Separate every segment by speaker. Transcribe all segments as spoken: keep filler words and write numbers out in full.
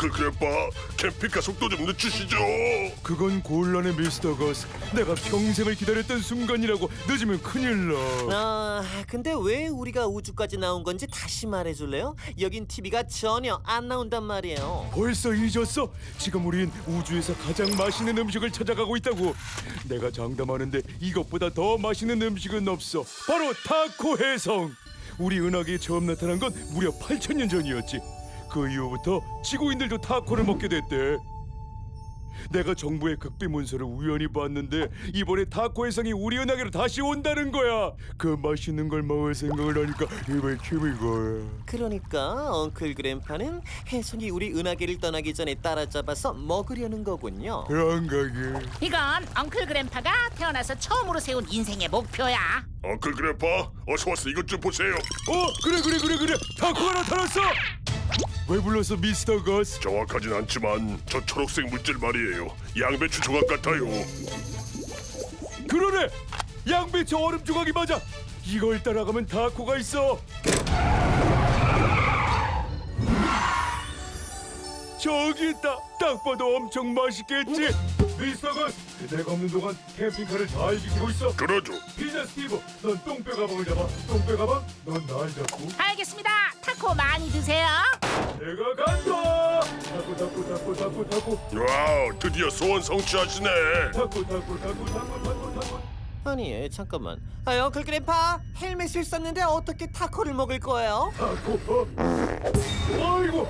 Speaker 1: 엉클 그래빠, 캠핑카 속도 좀 늦추시죠.
Speaker 2: 그건 곤란해 미스터 거스. 내가 평생을 기다렸던 순간이라고. 늦으면 큰일 나.
Speaker 3: 아, 근데 왜 우리가 우주까지 나온 건지 다시 말해줄래요? 여긴 티비가 전혀 안 나온단 말이에요.
Speaker 2: 벌써 잊었어? 지금 우린 우주에서 가장 맛있는 음식을 찾아가고 있다고. 내가 장담하는데 이것보다 더 맛있는 음식은 없어. 바로 타코 해성. 우리 은하계에 처음 나타난 건 무려 팔천 년 전이었지. 그 이후부터 지구인들도 타코를 먹게 됐대. 내가 정부의 극비 문서를 우연히 봤는데 이번에 타코 해성이 우리 은하계로 다시 온다는 거야. 그 맛있는 걸 먹을 생각을 하니까 입에 침이 고여.
Speaker 3: 그러니까 엉클 그램파는 혜성이 우리 은하계를 떠나기 전에 따라잡아서 먹으려는 거군요.
Speaker 2: 그런 거지.
Speaker 4: 이건 엉클 그램파가 태어나서 처음으로 세운 인생의 목표야.
Speaker 1: 엉클 그래빠, 어서 와서 이것 좀 보세요.
Speaker 2: 어 그래 그래 그래 그래 타코가 나타났어. 왜 불렀어 미스터 거스?
Speaker 1: 정확하진 않지만 저 초록색 물질 말이에요. 양배추 조각 같아요.
Speaker 2: 그러네. 양배추 얼음 조각이 맞아. 이걸 따라가면 타코가 있어. 저기 있다. 딱 봐도 엄청 맛있겠지. 미스터 거스, 내가 없는 동안 캠핑카를 잘 지키고 있어.
Speaker 1: 그러죠.
Speaker 2: 피자 스티브, 넌 똥배 가방을 잡아. 똥배 가방, 넌 날 잡고.
Speaker 4: 알겠습니다. 타코 많이 드세요.
Speaker 2: 내가 간다. 타코 타코 타코 타코 타코
Speaker 1: 와우, 드디어 소원 성취하시네.
Speaker 2: 타코 타코 타코 타코 타코 타코.
Speaker 3: 아니, 잠깐만. 아, 엉클 그램파, 헬멧을 썼는데 어떻게 타코를 먹을 거예요?
Speaker 2: 타코. 어. 아이고.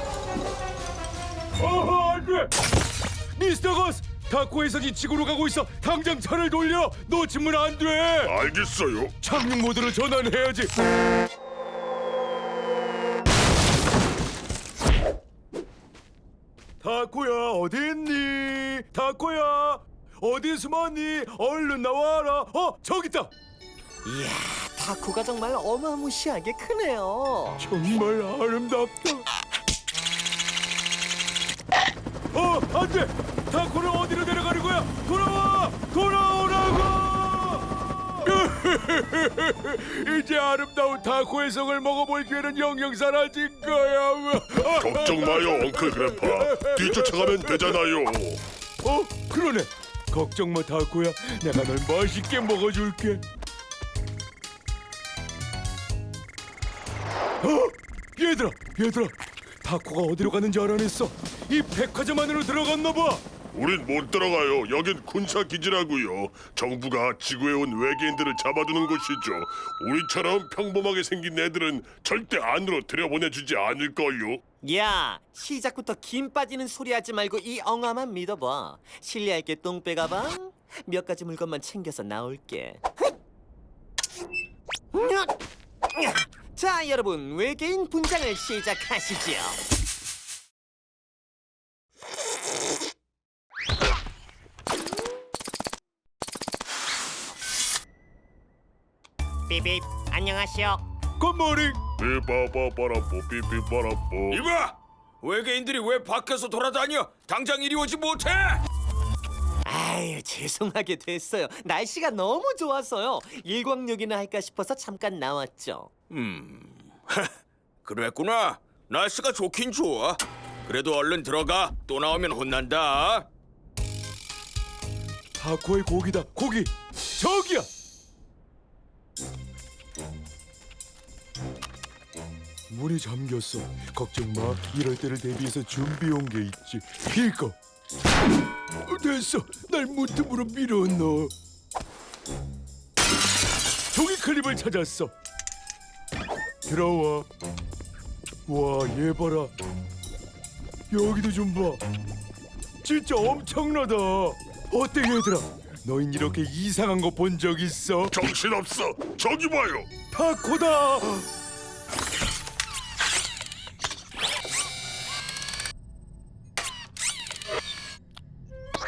Speaker 2: 어허, 안 돼. 미스터 거스, 타코 해석이 지구로 가고 있어. 당장 차를 돌려. 놓치면 안 돼.
Speaker 1: 알겠어요.
Speaker 2: 착륙 모드로 전환해야지. 타코야, 어디 있니? 타코야, 어디 숨었니? 얼른 나와라. 어, 저기 있다.
Speaker 3: 이야, 타코가 정말 어마무시하게 크네요.
Speaker 2: 정말 아름답다. 어, 안 돼. 타코를 어디로 데려가는 거야? 돌아와! 돌아오라고! 이제 아름다운 타코의 성을 먹어볼 기회는 영영 사라진 거야.
Speaker 1: 걱정 마요, 엉클 그래파. 뒤쫓아가면 되잖아요.
Speaker 2: 어, 그러네. 걱정 마, 타코야. 내가 널 맛있게 먹어줄게. 어, 얘들아, 얘들아. 타코가 어디로 가는지 알아냈어. 이 백화점 안으로 들어갔나 봐.
Speaker 1: 우린 못 들어가요. 여긴 군사 기지라고요. 정부가 지구에 온 외계인들을 잡아두는 곳이죠. 우리처럼 평범하게 생긴 애들은 절대 안으로 들여보내주지 않을걸요.
Speaker 3: 야, 시작부터 김 빠지는 소리 하지 말고 이 엉아만 믿어봐. 실례할게, 똥배 가방. 몇 가지 물건만 챙겨서 나올게. 자, 여러분, 외계인 분장을 시작하시죠. 삐삐, 안녕하시오.
Speaker 2: 굿모닝.
Speaker 1: 삐빠빠빠라뽀 삐삐빠라뽀.
Speaker 5: 이봐! 외계인들이 왜 밖에서 돌아다녀? 당장 이리 오지 못해?
Speaker 3: 아유, 죄송하게 됐어요. 날씨가 너무 좋아서요. 일광욕이나 할까 싶어서 잠깐 나왔죠.
Speaker 5: 그랬구나. 날씨가 좋긴 좋아. 그래도 얼른 들어가. 또 나오면 혼난다.
Speaker 2: 타코의 고기다. 고기. 저기야. 문이 잠겼어. 걱정 마. 이럴 때를 대비해서 준비해온 게 있지. 이거. 어, 됐어. 날 문틈으로 밀어넣어. 종이 클립을 찾았어. 들어와. 와, 얘 봐라. 여기도 좀 봐. 진짜 엄청나다. 어때 얘들아? 너흰 이렇게 이상한 거 본 적 있어?
Speaker 1: 정신없어. 저기 봐요.
Speaker 2: 타코다.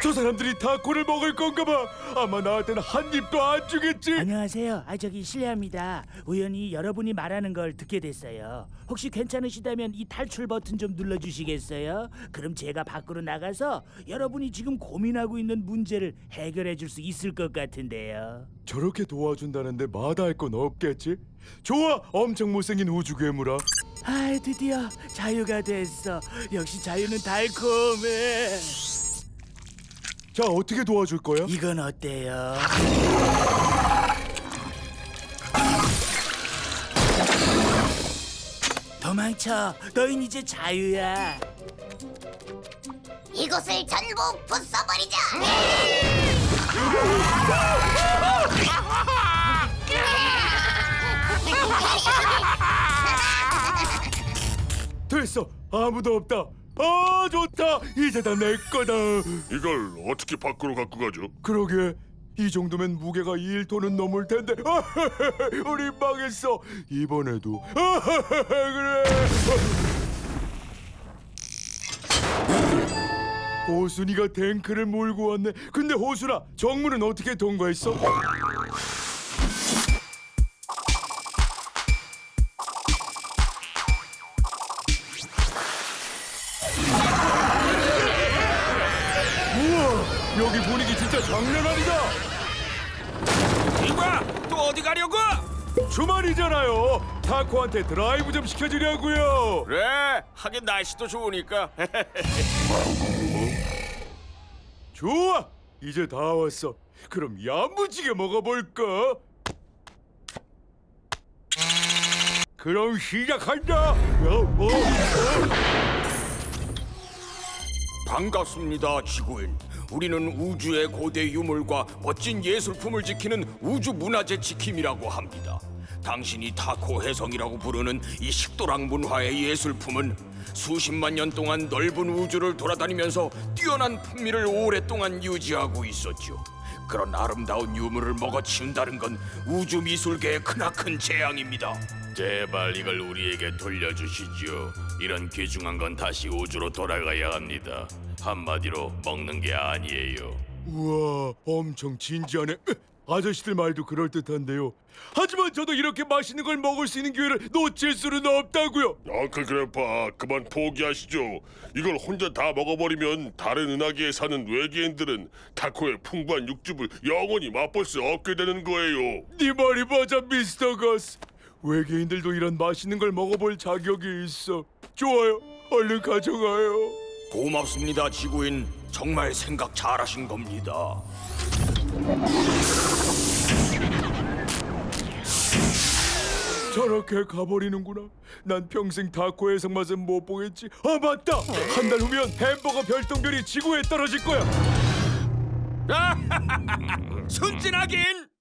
Speaker 2: 저 사람들이 타코를 먹을 건가봐. 아마 나한테는 한 입도 안 주겠지.
Speaker 6: 안녕하세요. 아 저기 실례합니다. 우연히 여러분이 말하는 걸 듣게 됐어요. 혹시 괜찮으시다면 이 탈출 버튼 좀 눌러주시겠어요? 그럼 제가 밖으로 나가서 여러분이 지금 고민하고 있는 문제를 해결해 줄 수 있을 것 같은데요.
Speaker 2: 저렇게 도와준다는데 마다할 건 없겠지? 좋아, 엄청 못생긴 우주 괴물아.
Speaker 6: 아 드디어 자유가 됐어. 역시 자유는 달콤해.
Speaker 2: 자, 어떻게 도와줄 거야?
Speaker 6: 이건 어때요? 도망쳐. 너흰 이제 자유야.
Speaker 7: 이곳을 전부 부숴버리자.
Speaker 2: 됐어, 아무도 없다. 아, 좋다. 이제 다 내 거다.
Speaker 1: 이걸 어떻게 밖으로 갖고 가죠?
Speaker 2: 그러게, 이 정도면 무게가 일 톤은 넘을 텐데. 우리 망했어. 이번에도. 그래. 호순이가 탱크를 몰고 왔네. 근데 호순아, 정문은 어떻게 통과했어? 우와, 여기 분위기 진짜 장난 아니다.
Speaker 5: 이봐, 또 어디 가려고?
Speaker 2: 주말이잖아요. 타코한테 드라이브 좀 시켜주려고요.
Speaker 5: 그래, 하긴 날씨도 좋으니까.
Speaker 2: 좋아, 이제 다 왔어. 그럼 야무지게 먹어볼까? 그럼 시작한다. 어, 어, 어.
Speaker 5: 반갑습니다, 지구인. 우리는 우주의 고대 유물과 멋진 예술품을 지키는 우주 문화재 지킴이라고 합니다. 당신이 타코 해성이라고 부르는 이 식도락 문화의 예술품은 수십만 년 동안 넓은 우주를 돌아다니면서 뛰어난 풍미를 오랫동안 유지하고 있었죠. 그런 아름다운 유물을 먹어치운다는 건 우주 미술계의 크나큰 재앙입니다.
Speaker 8: 제발 이걸 우리에게 돌려주시죠. 이런 귀중한 건 다시 우주로 돌아가야 합니다. 한마디로 먹는 게 아니에요.
Speaker 2: 우와, 엄청 진지하네. 으, 아저씨들 말도 그럴듯한데요. 하지만 저도 이렇게 맛있는 걸 먹을 수 있는 기회를 놓칠 수는 없다고요.
Speaker 1: 앙클 그래파, 그만 포기하시죠. 이걸 혼자 다 먹어버리면 다른 은하계에 사는 외계인들은 타코의 풍부한 육즙을 영원히 맛볼 수 없게 되는 거예요.
Speaker 2: 네 말이 맞아, 미스터 거스. 외계인들도 이런 맛있는 걸 먹어볼 자격이 있어. 좋아요, 얼른 가져가요.
Speaker 5: 고맙습니다, 지구인. 정말 생각 잘하신 겁니다.
Speaker 2: 저렇게 가버리는구나. 난 평생 타코 해성 맛은 못 보겠지. 아, 맞다. 한 달 후면 햄버거 별똥별이 지구에 떨어질 거야.
Speaker 5: 순진하긴.